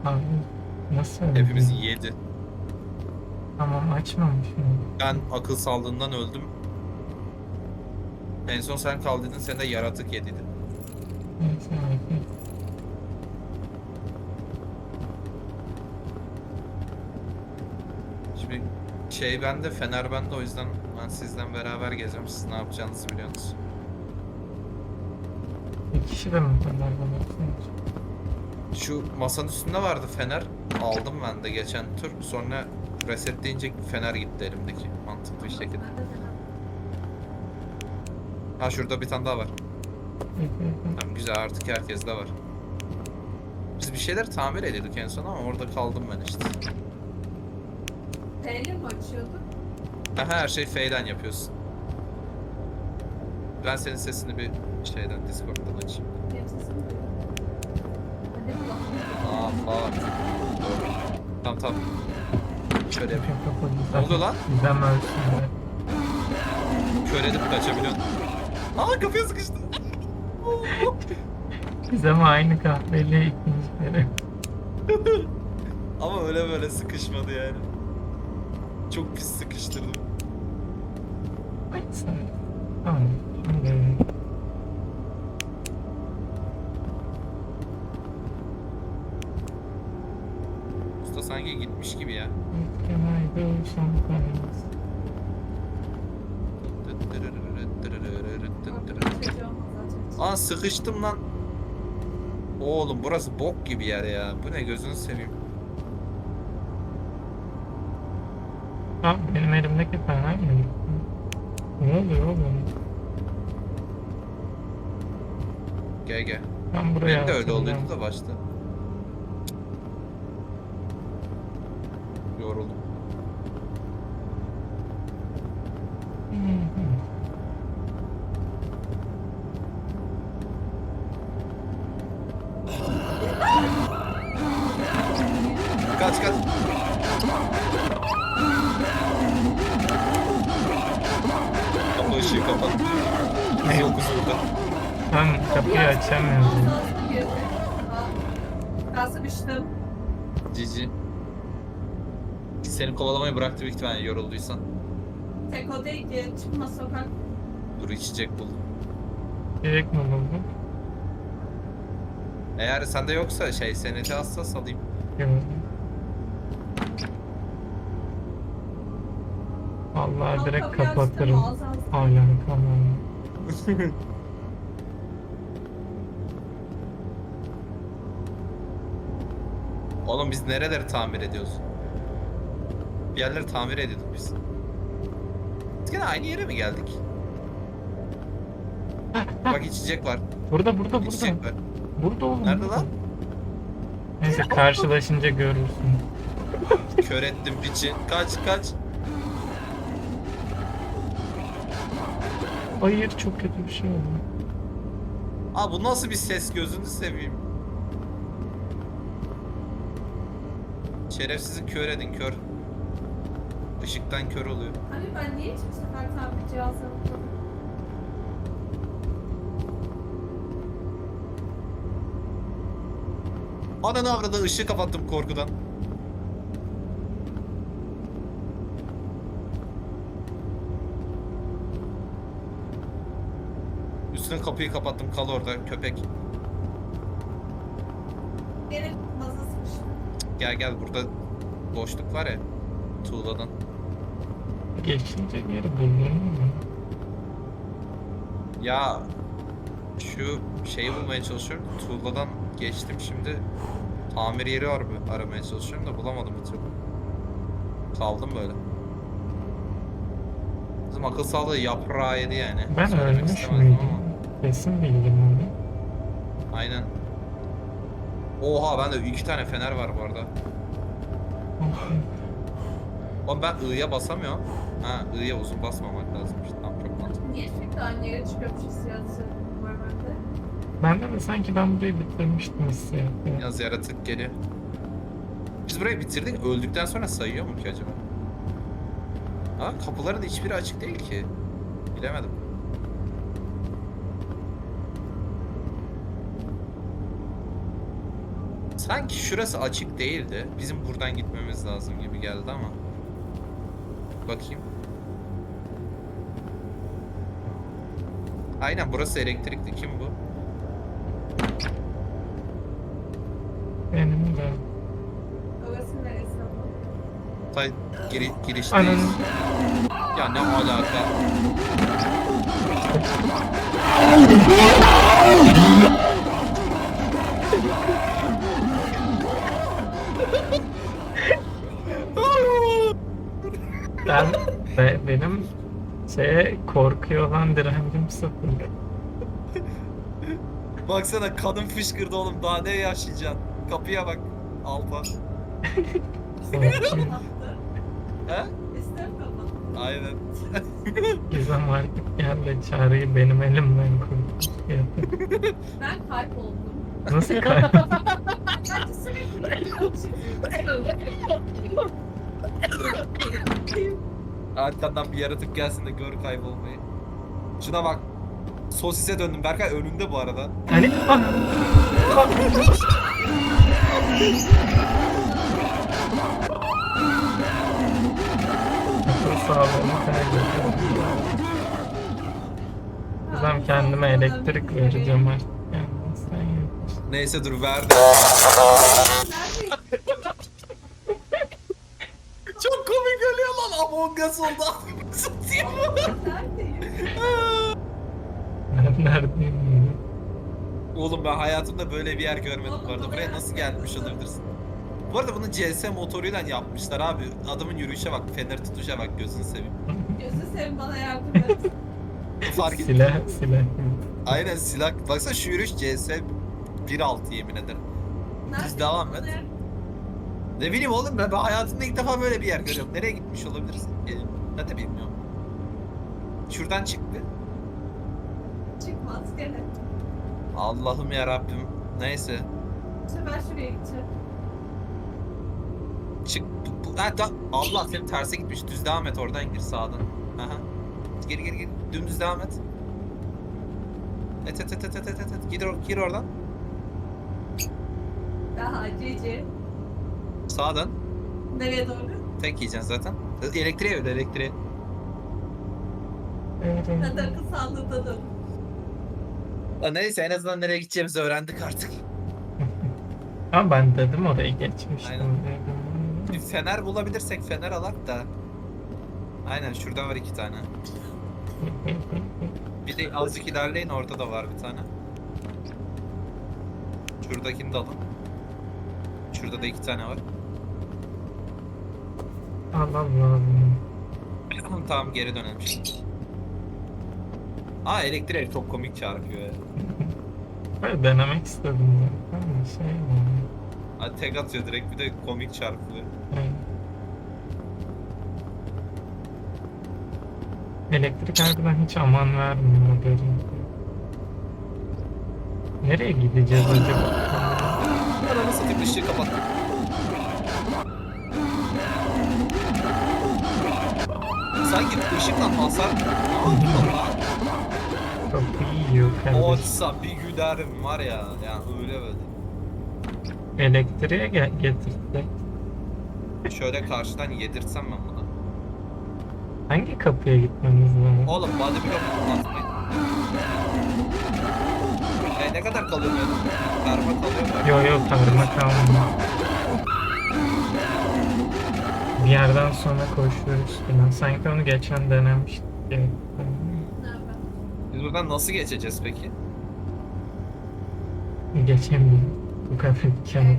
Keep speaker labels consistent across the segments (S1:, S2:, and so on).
S1: Abi nasıl öyle
S2: Hepimiz
S1: değil?
S2: yedi.
S1: Tamam açmamışım.
S2: Ben akıl sağlığından öldüm. En son sen kaldıydın, sen de yaratık yediydin.
S1: Neyse abi.
S2: Şimdi şey bende, fener bende, o yüzden ben sizden beraber gezeceğim. Siz ne yapacağınızı biliyorsunuz.
S1: Bir kişi de mi kadar bana?
S2: Şu masanın üstünde vardı fener. Aldım ben de geçen tur. Sonra resetleyince fener gitti elimdeki. Mantıklı bir şekilde. Ha, şurada bir tane daha var. Tamam, güzel, artık herkes de var. Biz bir şeyler tamir ediyorduk en son ama orada kaldım ben işte.
S3: Neyle mi açıyorduk?
S2: Aha, her şey F'den yapıyorsun. Ben senin sesini bir şeyden, Discord'dan açayım.
S3: Benim sesim duyuyor. Hadi bakalım.
S2: Tamam tamam. Şöyle yapayım.
S1: Ne
S2: oluyor lan?
S1: Gizem ölsün de.
S2: Kör edip kaçabiliyorsun. Aa, kapıya sıkıştı.
S1: Gizem aynı kahveli ikinci kere.
S2: Ama öyle böyle sıkışmadı yani. Çok pis sıkıştırdım.
S1: Ay sen. Tamam. Şimdi
S2: Usta sanki gitmiş gibi ya.
S1: Kenarda şampanyamız.
S3: Çocuğum zaten.
S2: Aa, sıkıştım lan. Oğlum burası bok gibi yer ya. Bu ne, gözünü seveyim.
S1: Abi benim elimdeki fener mi? Ne oluyor oğlum?
S2: Gel gel.
S1: Ben buraya
S2: Benim de öyle
S1: atacağım.
S2: oluyordu da başta. Yoruldum.
S1: Hı hı.
S2: Kaç kaç. Kapı ışığı kapat. Biz yokuz burada.
S1: Ben kapıyı açamıyorum.
S3: Ağzına girdi. Ben sıkıştım.
S2: Cici. Seni kovalamayı bıraktı büyük ihtimalle, yorulduysan.
S3: Tek o değil ki. Çıkma sokak.
S2: Dur, içecek buldum.
S1: Direkt mi buldun?
S2: Eğer sende yoksa şey, senedi hassas alayım.
S1: Gördüm. Vallahi
S3: Tam
S1: direkt
S3: kapıyı açtım,
S1: kapatırım.
S3: ağzı ağzı.
S1: Hala tamam.
S2: Oğlum biz nereleri tamir ediyoruz? Bir yerleri tamir ediyorduk biz. Biz gene aynı yere mi geldik? Bak, içecek var.
S1: Burada.
S2: İçecek var.
S1: Burada oğlum.
S2: Nerede
S1: burada.
S2: lan?
S1: Neyse karşılaşınca görürsün.
S2: Kör ettim piçi. Kaç kaç.
S1: Hayır çok kötü bir şey oldu.
S2: Aa, bu nasıl bir ses, gözünü seveyim. Şerefsizi kör edin, kör. Işıktan kör oluyor.
S3: Abi ben niye hiçbir sefer tamir cihazlarını kullanıyorum?
S2: Ananı avradı, ışığı kapattım korkudan. Üstüne kapıyı kapattım, kal orada köpek.
S3: Gene maza sıkıştım.
S2: Gel gel, burada boşluk var ya. Tuğladan.
S1: Geçince geri buldun mu?
S2: Ya şu şeyi bulmaya çalışıyorum. Tuğladan geçtim şimdi. Tamir yeri aramaya çalışıyorum da bulamadım bir türlü. Kaldım böyle. Bizim akıl sağlığı yaprağı yedi yani.
S1: Ben
S2: Söylemek
S1: ölmüş
S2: istemezdim
S1: müydüm?
S2: ama.
S1: Kesin bildim onu.
S2: Aynen. Oha, bende 2 tane fener var bu arada. Oğlum ben I'ya basamıyorum. Ha, I'ya uzun basmamak lazımmış. Tamam, çok mantıklı.
S3: Niye sürekli aynı yere çıkıyormuş hissiyatı var bende?
S1: Bende de sanki ben burayı bitirmiştim hissiyatı.
S2: Yaz yaratık geliyor. Biz burayı bitirdik. Öldükten sonra sayıyor mu ki acaba? Aa, kapıların hiçbiri açık değil ki. Bilemedim. Sanki şurası açık değildi. Bizim buradan gitmemiz lazım gibi geldi ama. Bakayım. Aynen burası elektrikli. Kim bu?
S1: Benim de.
S3: Orası neresi ama?
S2: Tay
S1: Ananı.
S2: girişteyiz. Ya ne alaka?
S1: Benim şeye korkuyor olan direncim sıfır.
S2: Baksana kanım fışkırdı oğlum. Daha ne yaşayacaksın? Kapıya bak. Alpa.
S1: Korkuyor.
S3: Kapattı.
S2: He?
S3: İster kapattı.
S2: Aynen.
S1: Gizem artık gel de çağrıyı benim elimden kurtar.
S3: Ben kayboldum.
S1: Nasıl kaybettin?
S3: Ben sürekli
S2: Arkandan bir yaratık gelsin de gör kaybolmayı. Şuna bak. Sosise döndüm. Berkay önünde bu arada.
S1: Hani ah! Akıl sağlığımı kaybediyorum. Gizem kendime elektrik vereceğim artık. Yani sen yaparsın.
S2: Neyse dur verdi. Çok komik ölüyor lan. Among Us oldu. Satayım.
S3: Neredeyim?
S1: Ben neredeyim?
S2: Oğlum ben hayatımda böyle bir yer görmedim bu arada. Buraya nasıl gelmiş olabilirsin? Bu arada bunu CS motoruyla yapmışlar abi. Adamın yürüyüşe bak, feneri tutuşa bak, gözünü seveyim.
S3: Gözü seveyim bana yardım et.
S2: Fark et.
S1: Silah.
S2: Aynen silah. Baksana şu yürüyüş CS 1.6 yemin ederim.
S3: Neredeyim?
S2: devam et.
S3: Bana yardım-
S2: Ne bileyim oğlum ben hayatımda ilk defa böyle bir yer görüyorum. Nereye gitmiş olabilirsin? Ben de bilmiyorum. Şuradan çıktı.
S3: Çıkmaz gene.
S2: Allah'ım ya Rabbim. Neyse.
S3: Bu sefer şuraya gideceğim.
S2: Çık. Allah senin terse gitmiş. Düz devam et oradan gir sağdan. Aha. Gir. Dümdüz devam et. Et. Gir oradan.
S3: Daha cici.
S2: Sağdan.
S3: Nereye doğru?
S2: Tek yiyeceksin zaten. Elektriğe öyle elektriğe.
S3: Hadi akıl sağlığında dön.
S2: Neyse en azından nereye gideceğimizi öğrendik artık.
S1: Ama ben dedim oraya geçmiştim.
S2: Aynen. Bir fener bulabilirsek fener alak da. Aynen şurada var 2 tane. Bir de azıcık ilerleyin orada da var bir tane. Şuradakini de alın. Şurada da 2 tane var.
S1: Allah.
S2: Tamam geri dönelim şimdi. Aa elektrik çok komik çarpıyor ya.
S1: Böyle denemek istedim zaten. Şey mi?
S2: Hadi tek atıyor direkt bir de komik çarpıyor.
S1: Elektrik harbiden hiç aman vermiyor haberim. Nereye gideceğiz acaba?
S2: Ananı satayım ışığı kapat. Sanki ışıktan hasar...
S1: Kapıyı yiyor kardeşim.
S2: Olsa bir gülerim var ya. Yani öyle böyle.
S1: Elektriğe getirdik.
S2: Şöyle karşıdan yedirtsem ben bunu.
S1: Hangi kapıya gitmemiz lazım?
S2: Oğlum body block atmayın. Ne kadar kalıyor böyle? Karma kalıyor mu?
S1: Yo karma kalmıyor. Bir yerden sonra koşuyoruz falan. Sanki onu geçen denemiştik.
S3: Nerede?
S2: Biz buradan nasıl geçeceğiz peki?
S1: Geçemiyorum. Bu kadar imkanı.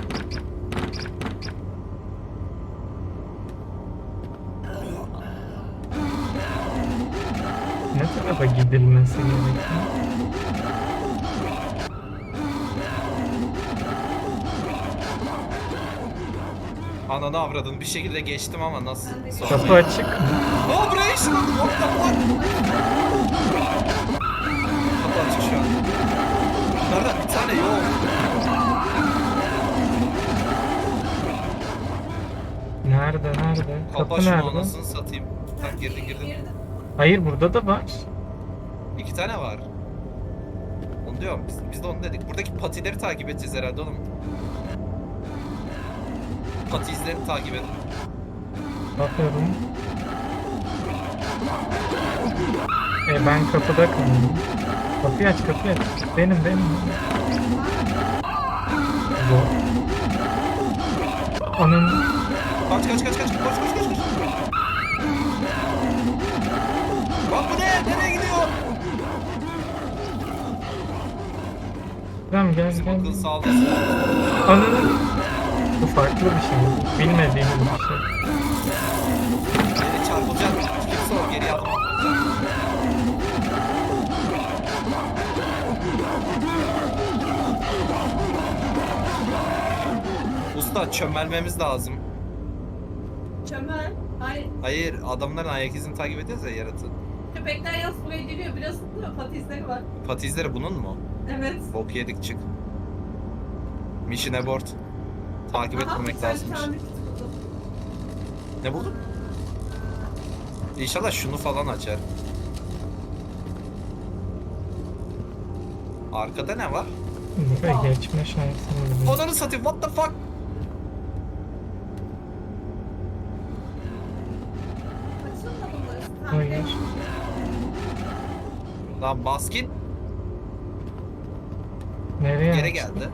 S1: Ne tarafa gidilmesi gerekiyor?
S2: Ananı avradın bir şekilde geçtim ama nasıl?
S3: Ben de
S2: Sonra-
S1: Kapı açık mı?
S2: Aa buraya ışınlandım. What the fuck? Kapı açık şu an. Bunlardan bir tane yok.
S1: Nerede?
S2: Kapa
S1: Kapı
S2: şunu
S1: nerede?
S2: anasını satayım. Tak girdin.
S1: Hayır burada da var.
S2: 2 tane var. Onu Diyorum biz de onu dedik. Buradaki patileri takip edeceğiz herhalde oğlum. Pati izlerini takip edin.
S1: Bakıyorum. Ben kapıda kaldım. Kapıyı aç, kapıyı aç. Benim. Zor. Onun
S2: Kaç. Koş. Bak bu ne? Nereye gidiyor?
S1: tamam gel.
S2: Bizim akıl sağlığı.
S1: Onun bu farklı bir şey. Bilmediğimiz bir şey.
S2: Beni çarpılacak. Kimse o geriye adım atmayacak. Usta çömelmemiz lazım.
S3: Çömel. Hayır.
S2: Hayır adamların ayak izini takip ediyoruz ya yaratığı.
S3: Köpekler yaz buraya geliyor. Biliyorsun değil mi? Pati izleri var.
S2: Pati izleri bunun mu?
S3: Evet.
S2: Bok yedik çık. Mission abort. Takip
S3: Aha,
S2: etmemek
S3: sen
S2: lazımmış.
S3: tamir kiti buldun.
S2: Ne buldun? İnşallah şunu falan açar. Arkada ne var?
S1: Buraya geçme şansımız yok.
S2: Onları satayım. What the fuck?
S3: Açılmadı mı burası?
S1: Hayır.
S2: Lan baskin
S1: Nereye
S2: geri
S1: açtı?
S2: geldi.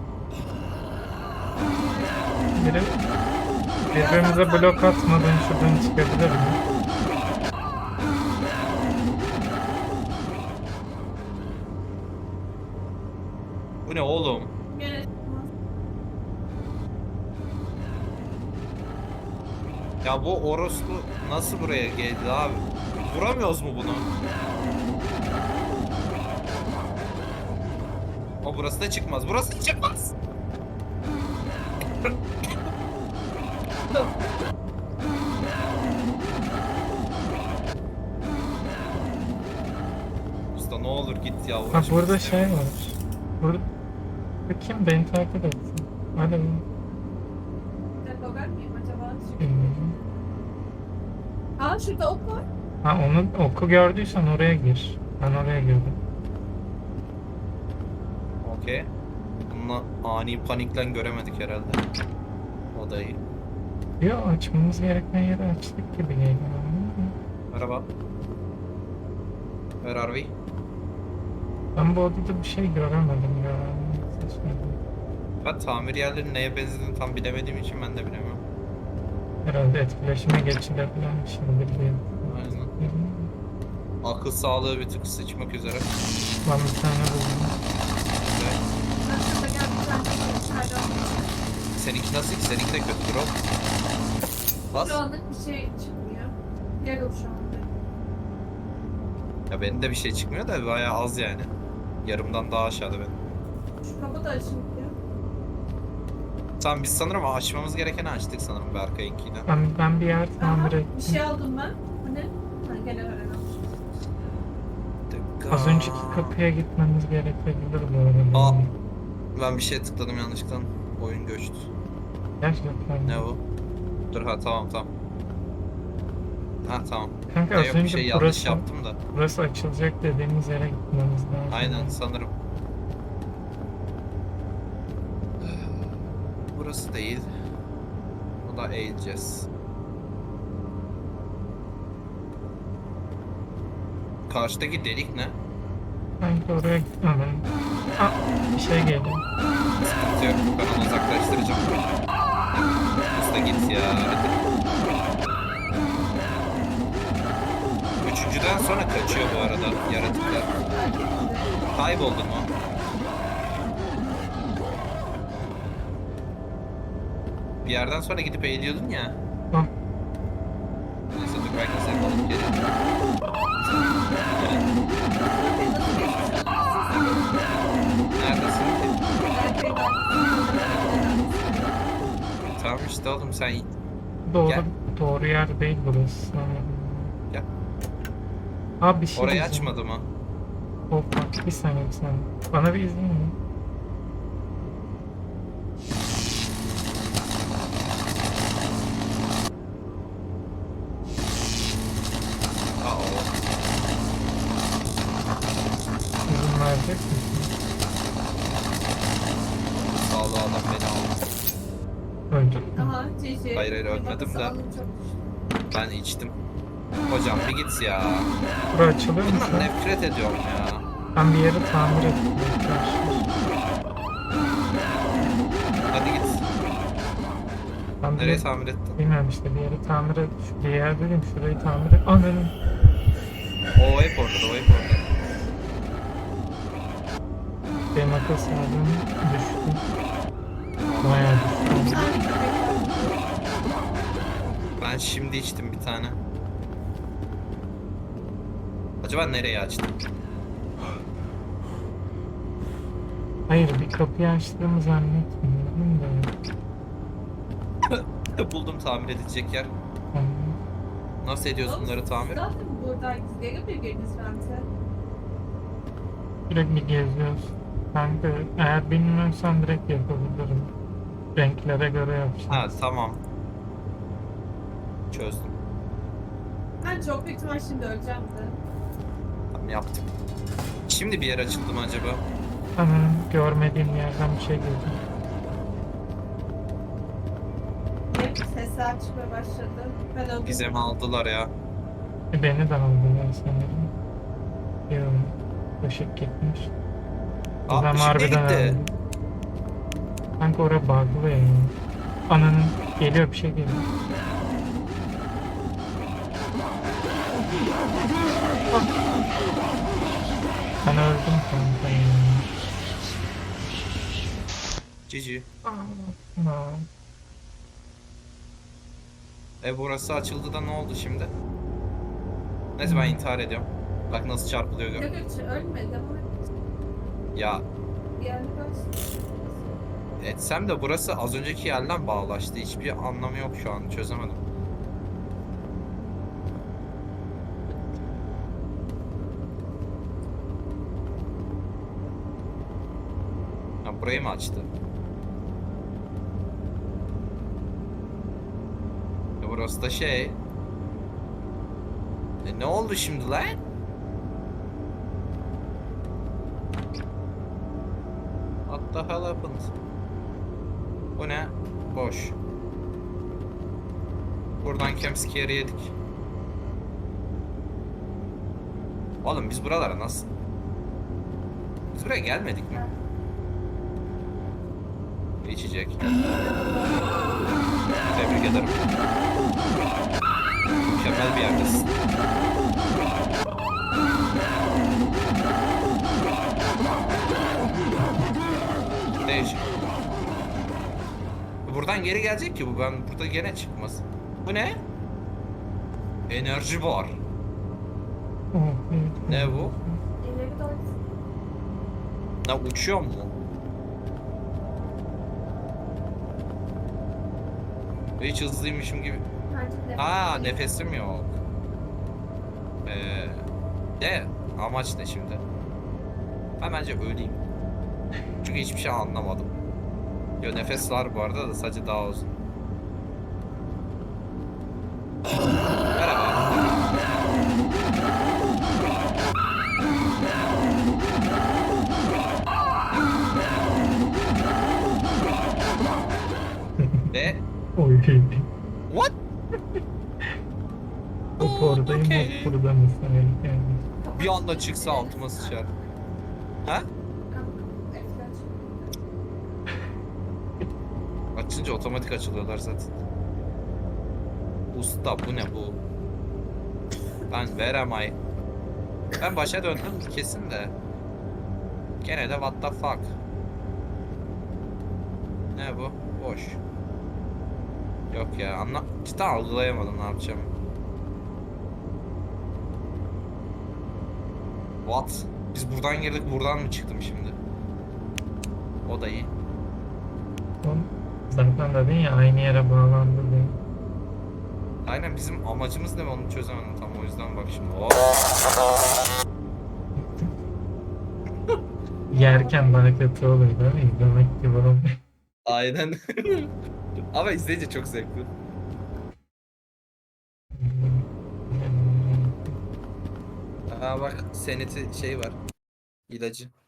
S1: Biri birbirimize blok atmadan şuradan çıkabilir mi?
S2: Bu ne oğlum?
S3: Gene
S2: Ya bu orospu nasıl buraya geldi abi? Vuramıyoruz mu bunu? O burası da çıkmaz. Burası da çıkmaz. Usta ne olur git ya.
S1: Ha
S2: uğraşmak
S1: burada
S2: istemiyorum.
S1: şey var. Burada kim beni takip etsin? Hadi bu.
S3: bir dakika ben miyim acaba?
S1: Bilmiyorum.
S3: Aa şurada ok var.
S1: Ha onu oku gördüysen oraya gir. Ben oraya girdim.
S2: Okey. Bununla ani panikle göremedik herhalde. O da iyi.
S1: Yok açmamız gereken yeri açtık gibi geliyor.
S2: Merhaba. Where are we?
S1: Ben bu odada bir şey göremedim ya. Seçmedim.
S2: Ben tamir yerlerinin neye benzediğini tam bilemediğim için ben de bilemiyorum.
S1: Herhalde etkileşime geçilebilen bir şeydir diye.
S2: Aynen. Akıl sağlığı bir tık sıçmak üzere.
S1: Ben bir tane buldum.
S2: Ve
S3: Ben şurada gel bir tane içeriden.
S2: seninki nasıl ki? Seninki de kötüdür o. Bas.
S3: Şu anlık bir şey çıkmıyor. Gel o şu anda.
S2: Ya benim de bir şey çıkmıyor da bayağı az yani. Yarımdan daha aşağıda benim.
S3: Şu kapı da açılmıyor.
S2: Tamam biz sanırım açmamız gerekeni açtık sanırım Berkay'ınkiyle.
S1: Ben bir yer
S3: Aha,
S1: tamir
S3: bir
S1: ettim.
S3: şey aldım ben. Bu ne? Ha gene öğrenelim.
S1: Az önceki kapıya gitmemiz gerekebilir bu arada.
S2: Aa. Ben bir şeye tıkladım yanlışlıkla. Oyun göçtü.
S1: Gerçekten.
S2: Ne o? Dur ha tamam. Ha tamam.
S1: Kanka
S2: Ya
S1: az
S2: yok bir
S1: önce
S2: şey yanlış
S1: burası,
S2: yaptım da.
S1: burası açılacak dediğimiz yere gitmemiz lazım.
S2: Aynen sanırım. Burası değil. Bu da eğileceğiz. Karşıdaki delik ne?
S1: Sanki oraya gitmem. Aa, bir şey geliyor.
S2: Sıkıntı yok. Ben onu uzaklaştıracağım. Usta git ya. Hadi. Üçüncüden sonra kaçıyor bu arada yaratıklar. Kayboldu mu? Bir yerden sonra gidip eğiliyordun ya.
S1: Ah,
S2: Neyse dur belki seni alıp gelirim. Neredesin ki? Tamam işte oğlum sen
S1: doğru,
S2: Gel.
S1: doğru yer değil burası.
S2: Gel.
S1: Abi bir şey
S2: Orayı
S1: diyeceğim.
S2: açmadı mı?
S1: Hop bak bir saniye. Bana bir izin ver.
S2: Aa,
S1: İzin verecek misin? Öldüm.
S3: Aha Cici.
S2: Hayır, hayır,
S3: Bir
S2: ölmedim
S3: bakası
S2: de.
S3: alın çok.
S2: Ben içtim. Hocam bir git ya.
S1: Bura açılır mı?
S2: Bundan nefret ediyorum ya.
S1: Ben bir yeri tamir ettim arkadaşlar.
S2: Hadi git.
S1: Ben
S2: Nereye
S1: bir,
S2: tamir ettin?
S1: bilmiyorum işte bir yeri tamir et. Bir yer dedim şurayı tamir et. Ananın.
S2: O hep orada, o hep orada.
S1: Benim akıl sağlığım düştü. Bayağı düştü.
S3: Bir tane köpek var.
S2: Ben şimdi içtim bir tane. Acaba nereye açtım?
S1: Hayır bir kapıyı açtığımı zannetmiyorum da.
S2: Buldum tamir edilecek yer.
S1: Yani,
S2: Nasıl ediyorsun bunları tamir?
S3: Zaten buradaydınız. Geri mi girdiniz bence?
S1: sürekli geziyoruz. Kanka eğer bilmiyorsan direkt yapabilirim. Renklere göre yapacağım.
S2: Ha tamam. Çözdüm.
S3: Ben çok büyük ihtimal şimdi öleceğim de.
S2: Tamam yaptım. Şimdi bir yer açıldı mı acaba?
S1: Sanırım görmediğim yerden bir şey gördüm.
S3: Hep sesler çıkmaya başladı. Ben öldüm.
S2: Gizem'i aldılar ya.
S1: Beni de aldılar sanırım. Yok. Işık gitmiş.
S2: Aa,
S1: Gizem
S2: ışık ne
S1: harbiden
S2: gitti?
S1: öldü. Kanka oraya bug'lı ya. Ananın geliyor bir şey geliyor. Ben öldüm kanka ya.
S2: Cici.
S1: Aa.
S2: Burası açıldı da ne oldu şimdi? Neyse ben intihar ediyorum. Bak nasıl çarpılıyor gör.
S3: Yok yok ölmedi ama
S2: Ya
S3: yani böyle.
S2: etsem de burası az önceki yerden bağlaştı. Hiçbir anlamı yok şu an. Çözemedim. Ha, burayı mı açtı? Burası da şey. Ne oldu şimdi lan? What the hell happened? Bu ne? Boş. Buradan campscare'i yedik. Oğlum biz buralara nasıl? Biz buraya gelmedik mi? İçecek. Tebrik ederim. Mükemmel bir yerdesin. Değişik. Buradan geri gelecek ki bu. Ben burada gene çıkmaz. Bu ne? Enerji bar.
S1: Oh, evet.
S2: Ne bu?
S3: İleri doğru.
S2: Ne uçuyor mu? Hiç hızlıymışım gibi.
S3: Bence
S2: Aa nefesim yok. De amaç ne şimdi? Ben bence öleyim. Çünkü hiçbir şey anlamadım. Yo nefes var bu arada da sadece daha uzun. Merhaba. De
S1: Oy.
S2: what?
S1: Hop oradayım
S2: Okay.
S1: hop burada mısın? Yani.
S2: Bir anda çıksa altıma sıçar. Ha? Açınca otomatik açılıyorlar zaten. Usta bu ne bu? Ben veremay. Ben başa döndüm kesin de. Gene de what the fuck. Ne bu? Boş. Yok ya cidden algılayamadım ne yapacağım. What? Biz buradan girdik buradan mı çıktım şimdi? O da iyi.
S1: Zaten dedin ya aynı yere bağlandı diye.
S2: Aynen bizim amacımız ne onu çözemedim tam o yüzden bak şimdi. Oh.
S1: Yerken daha kötü oluyor değil mi? İzlemek gibi olmuyor.
S2: Aynen. Ama izleyince çok zevkli. Aa bak seneti şey var. İlacı.